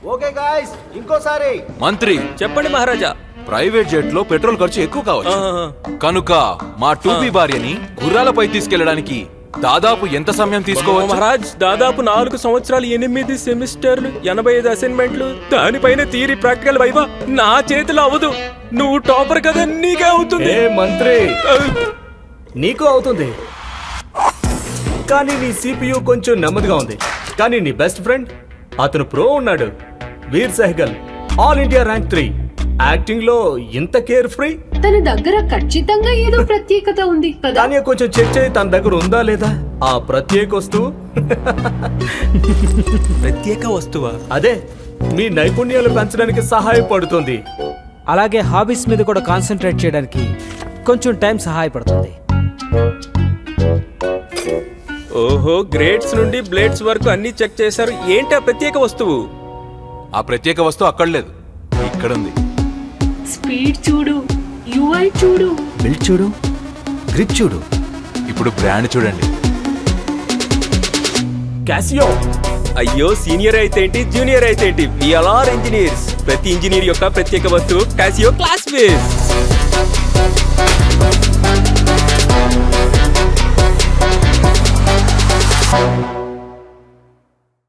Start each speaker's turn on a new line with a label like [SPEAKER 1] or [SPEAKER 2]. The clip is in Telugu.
[SPEAKER 1] ఓకే గాయ్స్, ఇంకోసారి.
[SPEAKER 2] మంత్రి
[SPEAKER 3] చెప్పండి మహారాజా.
[SPEAKER 2] ప్రైవేట్ జెట్ లో పెట్రోల్ ఖర్చు ఎక్కువ కావచ్చు. కనుక మా 2B భార్యని గుర్రాలపై తీసుకెళ్లడానికి దాదాపు ఎంత సమయం తీసుకోవచ్చు?
[SPEAKER 3] మహారాజ్, దాదాపు 4 సంవత్సరాలు, 8 సెమిస్టర్లు, 85 అసైన్మెంట్లు, దానిపైన థియరీ ప్రాక్టికల్ వైవా. నా చేతిలో అవ్వదు. నువ్వు టాపర్ కదా, నీకే అవుతుంది.
[SPEAKER 1] మంత్రి, నీకు అవుతుంది, కానీ నీ CPU కొంచెం నెమ్మదిగా ఉంది. కానీ నీ బెస్ట్ ఫ్రెండ్ అతను ప్రో ఉన్నాడు, Veer Sehgal, all India rank 3. Acting లో ఇంత కేర్ ఫ్రీ.
[SPEAKER 4] తన దగ్గర ఖచ్చితంగా ఏదో ప్రత్యేకత ఉంది కదా.
[SPEAKER 1] కానీ కొంచెం చెక్ చేయి, తన దగ్గర ఉందా లేదా ఆ ప్రత్యేక వస్తువు.
[SPEAKER 3] ప్రత్యేక వస్తువా?
[SPEAKER 1] అదే మీ నైపుణ్యాలు పెంచడానికి సహాయపడుతుంది.
[SPEAKER 5] అలాగే హాబీస్ మీద కూడా కాన్సన్ట్రేట్ చేయడానికి కొంచెం టైం సహాయపడుతుంది.
[SPEAKER 3] ఓహో, గ్రేడ్స్ నుండి బ్లేడ్స్ వరకు అన్ని చెక్ చేశారు. ఏంటి ఆ ప్రత్యేక వస్తువు?
[SPEAKER 2] ఆ ప్రత్యేక వస్తువు అక్కడ లేదు, ఇక్కడ ఉంది.
[SPEAKER 4] స్పీడ్ చూడు, UI చూడు,
[SPEAKER 1] బిల్డ్ చూడు, గ్రిప్ చూడు.
[SPEAKER 2] ఇప్పుడు బ్రాండ్ చూడండి.
[SPEAKER 1] క్యాసియో.
[SPEAKER 3] అయ్యో, సీనియర్ అయితే ఏంటి, జూనియర్ అయితే ఏంటి, వి ఆర్ ఇంజనీర్స్. ప్రతి ఇంజనీర్ యొక్క ప్రత్యేక వస్తువు కాసియో క్లాస్ బేస్.